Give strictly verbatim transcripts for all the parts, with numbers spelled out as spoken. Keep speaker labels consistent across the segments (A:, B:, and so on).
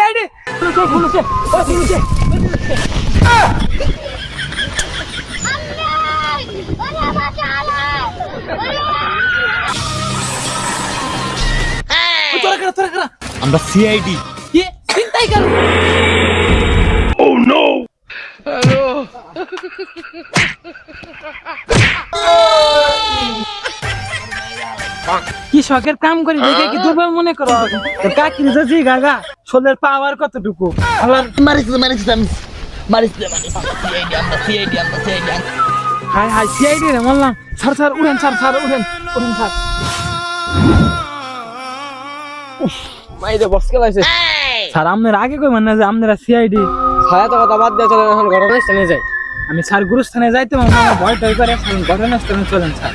A: CID police police ও police তোরা করা তোরা করা
B: আমরা সিআইডি।
A: কি চিন্তাই কর
B: ও নো
A: হ্যালো কি শখের কাম করি দেখে কি দুর্বল মনে করো তোর কাকি জি গাগা শোলের পাওয়ার কতটুকু আল্লাহ
C: মারিস মারিস মারিস মারিস সিআইডি আমরা সিআইডি আমরা সিআইডি
A: হাই হাই সিআইডি রে বললাম স্যার স্যার উড়েন স্যার স্যার উড়েন উড়েন স্যার মাইরে বস কে লাইছে স্যার আমনের আগে কই মানে যে আপনারা সিআইডি
D: ছায়া তো কথা বাদ দিয়ে চলেন এখন ঘটনাস্থলে যাই।
A: আমি স্যার গুরুস্থানে যাইতে আমার ভয় টয় করে ঘটনাস্থলে চলেন স্যার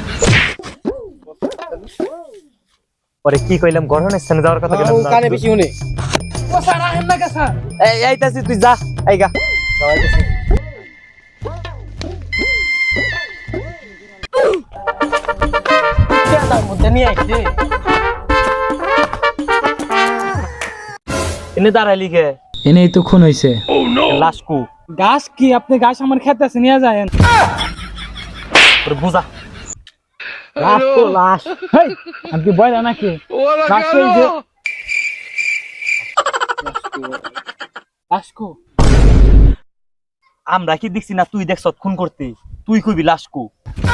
B: পরে কি কইলাম ঘটনাস্থলে যাওয়ার কথা
D: ও কানে বেশি শুনে
A: ও স্যার আহেন না কা স্যার
B: এই আইতাছি তুই যা আইগা
D: তার মধ্যে নিয়ে আইছে
B: এনে দাঁড়াইলি কে
A: এনেই তো খুন হইছে
B: লাশকু
A: গাছ কি আপনি গাছ আমার খেতে আছে নিয়ে যায়েন
B: তোর বুঝা
A: লাশ তো লাশ হেই আমি কি বইলা নাকি গাছ কই যে লাশকু
B: আমরা কি দেখছি না তুই দেখছ খুন করতে তুই কইবি লাশকু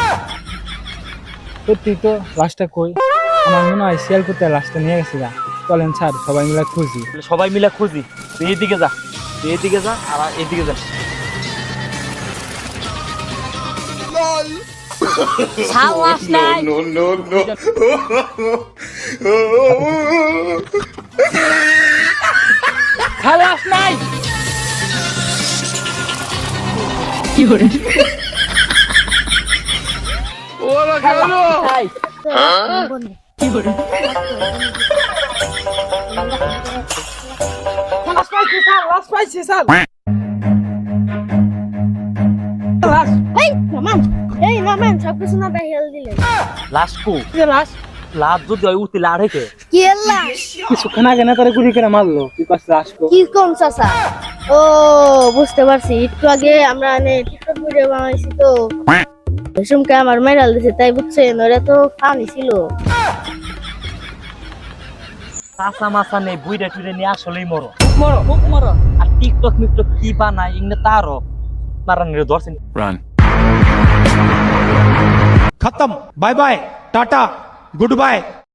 A: সত্যি তো লাশটা কই আমার মনে হয় শিয়াল করতে লাশটা নিয়ে গেছে গা চলেন স্যার সবাই মিলে খুঁজি
B: সবাই মিলে খুঁজি তুই এইদিকে যা তুই এইদিকে যা আর এইদিকে যা
C: সাহস নাই
E: No, no, no.
A: খালাস নাই
C: কি করে
A: ওরা খালো
C: কি করে
A: লাশ পাইছি স্যার লাশ পাইছি স্যার লাশ
F: এই নামান এই নামান সব কিছু না হেল দিলেন
B: লাশকু
A: যে লাশ
B: লাভ যদি হয় উঠতে লাড়ে কে
F: কি লাশ
A: কিছুক্ষণ আগে না তারা গুলি করে মারলো কি কাছে লাশ কো
F: কি কোন চাচা ও বুঝতে পারছি একটু আগে আমরা মানে টিকটক ভিডিও বানাইছি তো রেশমকে আমার মেরাল দিছে তাই বুঝছেন ওরা তো খাওয়ানি ছিল
B: কাঁচা মাছা নেই বুইরা টুইরা নিয়ে আসলেই মরো
A: মরো খুব মরো
B: আর টিকটক মিকটক কি বানায় ইংনে তারও মারানির ধরছেন
G: खत्म बाय बाय टाटा गुड बाय